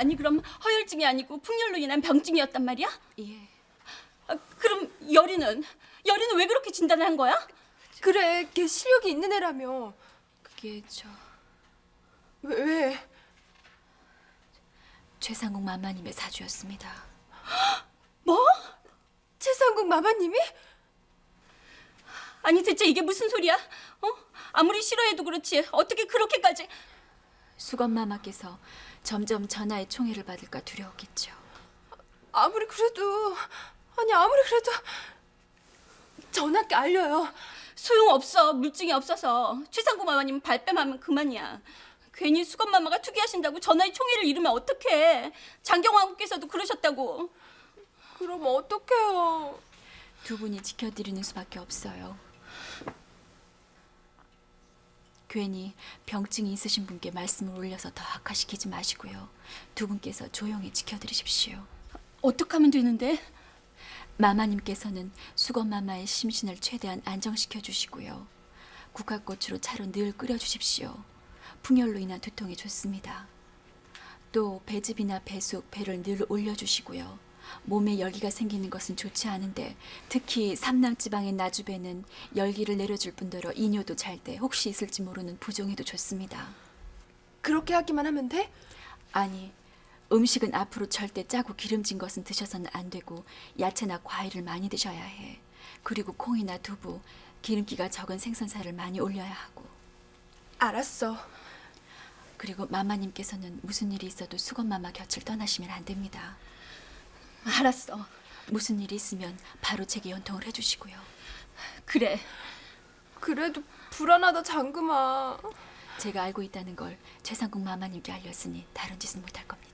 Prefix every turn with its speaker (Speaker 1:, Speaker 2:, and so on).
Speaker 1: 아니 그럼 허혈증이 아니고 풍열로 인한 병증이었단 말이야?
Speaker 2: 예.
Speaker 1: 그럼 여리는 왜 그렇게 진단을 한 거야?
Speaker 3: 그래, 걔 실력이 있는 애라며.
Speaker 2: 그게
Speaker 3: 왜?
Speaker 2: 최상국 마마님의 사주였습니다.
Speaker 1: 뭐?
Speaker 3: 최상국 마마님이?
Speaker 1: 아니 대체 이게 무슨 소리야? 아무리 싫어해도 그렇지 어떻게 그렇게까지...
Speaker 2: 수건 마마께서 점점 전하의 총애를 받을까 두려웠겠죠.
Speaker 3: 아무리 그래도 전하께 알려요.
Speaker 1: 소용없어. 물증이 없어서. 최상구 마마님 발뺌하면 그만이야. 괜히 수건마마가 투기하신다고 전하의 총애를 잃으면 어떡해. 장경왕후께서도 그러셨다고.
Speaker 3: 그럼 어떡해요?
Speaker 2: 두 분이 지켜드리는 수밖에 없어요. 괜히 병증이 있으신 분께 말씀을 올려서 더 악화시키지 마시고요. 두 분께서 조용히 지켜드리십시오.
Speaker 1: 어떻게 하면 되는데?
Speaker 2: 마마님께서는 수건마마의 심신을 최대한 안정시켜 주시고요. 국화꽃으로 차로 늘 끓여주십시오. 풍열로 인한 두통이 좋습니다. 또 배즙이나 배숙, 배를 늘 올려주시고요. 몸에 열기가 생기는 것은 좋지 않은데 특히 삼남지방의 나주배는 열기를 내려줄 뿐더러 이뇨도 잘 때 혹시 있을지 모르는 부종에도 좋습니다.
Speaker 3: 그렇게 하기만 하면 돼?
Speaker 2: 아니, 음식은 앞으로 절대 짜고 기름진 것은 드셔서는 안 되고 야채나 과일을 많이 드셔야 해. 그리고 콩이나 두부, 기름기가 적은 생선살을 많이 올려야 하고.
Speaker 3: 알았어.
Speaker 2: 그리고 마마님께서는 무슨 일이 있어도 수건마마 곁을 떠나시면 안 됩니다.
Speaker 1: 알았어.
Speaker 2: 무슨 일이 있으면 바로 제게 연통을 해주시고요.
Speaker 1: 그래.
Speaker 3: 그래도 불안하다 장금아.
Speaker 2: 제가 알고 있다는 걸 최상국 마마님께 알렸으니 다른 짓은 못할 겁니다.